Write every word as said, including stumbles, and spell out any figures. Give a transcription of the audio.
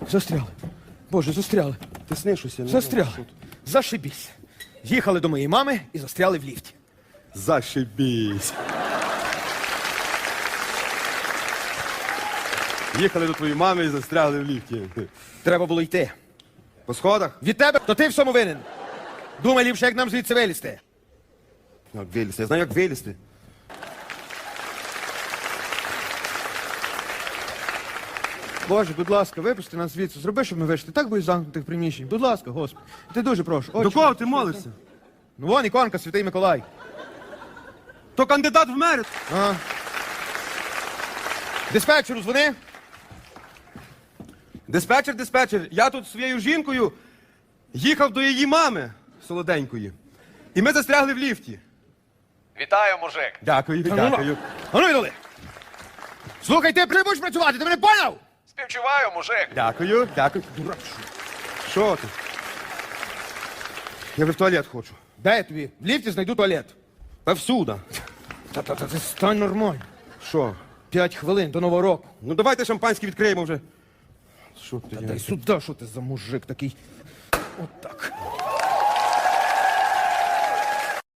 Застряли. Боже, застряли. Ти снишуся. Застряли. Зашибісь. Їхали до моєї мами і застряли в ліфті. Зашибісь. Їхали до твоєї мами і застрягли в ліфті. Треба було йти. По сходах? Від тебе, то ти в цьому винен. Думай ліпше, як нам звідси вилізти. Як вилізти? Я знаю, як вилізти. Боже, будь ласка, випусти нас звідси. Зроби, щоб ми вийшли. Так буде замкнутих приміщень. Будь ласка, Господи. Ти дуже прошу. До Отче, кого ти молишся? Ну вон іконка, Святий Миколай. То кандидат в мери. Ага. Диспетчеру дзвони. Диспетчер, диспетчер, я тут зі своєю жінкою їхав до її мами солоденької. І ми застрягли в ліфті. Вітаю, мужик. Дякую, ну, дякую. А ну йдали. Слухай, ти не будеш працювати, ти мене поняв? Співчуваю, мужик. Дякую, дякую. Дурак, що? Що ти? Я вже в туалет хочу. Де я тобі? В ліфті знайду туалет. Та всюди. Та-та-та, ти стань нормально. Що? П'ять хвилин до Нового року. Ну давайте шампанське відкриємо вже. Що ти? Та й сюди, що ти за мужик такий? От так.